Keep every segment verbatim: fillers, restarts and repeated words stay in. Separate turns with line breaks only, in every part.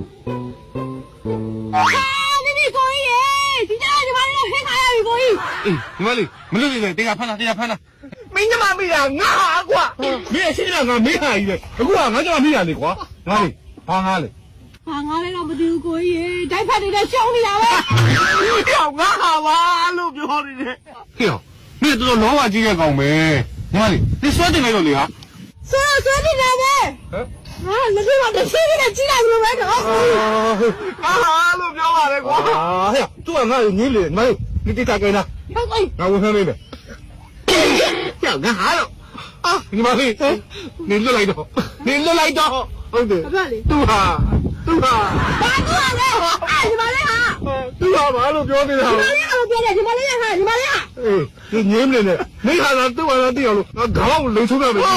你你可以，今天你妈的黑卡呀，你可以。
哎，你妈的，没录进来，等下判了，等下判了。
မင်းကမှမေးတာငါဟာကွာ
မင်းအရှိကငါမေးဟာကြီးလေအခုကငါကြောင့်မေးရတယ်ကွာငါလေဘာငါလေ
啊，我来了不丢可以，再拍你的兄弟了呗。
ပြောငါဟာပါလို့ပြောနေတယ်
ဟေ့မင်းတော်တော်လောဘကြီးတဲ့ကောင်ပဲညီမလေး你ဆွဲတင်လိုက်တော့လေဟာ
说说你了呗。
ဟမ်
啊，那地方都谁给他寄来了呗？哦。
ငါဟာလို့ပြောပါတယ်ကွာ
အာဟဲ့သူကငါ့ကိုငင်းလေညီမလေး你တိတ်ကြကိန်းလား
哎，
ငါဝင်ဖမ်းနေတယ်
ပြောငါဟာလို့
အာညီမလေး你လွတ်လိုက်တော့你လွတ်လိုက်တော့ဟုတ်တယ်
不要你。
သူဟာသူဟာ
打过来，哎，你妈的哈！
သူဟာဘာလို့ပြောနေတာ
你妈的哈，别的，你妈的哈，你妈的哈。
အေး你ငင်းမနေနဲ့မိခါသာသူ့ဟာသာသိအောင်လို့ငါခေါင်းကိုလိန်ထုတ်ရမယ်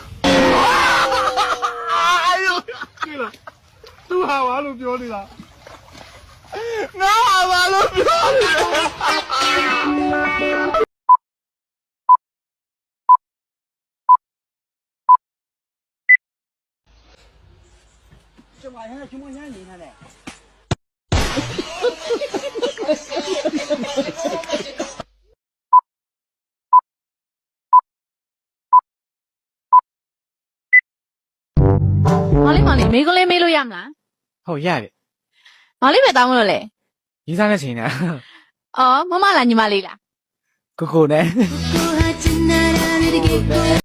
အာယု
ကြည့်လားသူဟာဘာလို့ပြောနေတာ
ငါဟာပါလို့ပြောနေတယ်
这晚上什么年龄他嘞？
မောင်လေးမောင်လေးမေးခွန်းလေးမေးလို့ရမလား
ဟုတ်ရတယ်
မောင်လေးပဲတောင်းမလို့လေ
ရေးစားတဲ့ချိန်နဲ့
အော်မမလားညီမလေးလား
ကိုကိုနဲ့
ကိုဟာချင်နာရတဲ့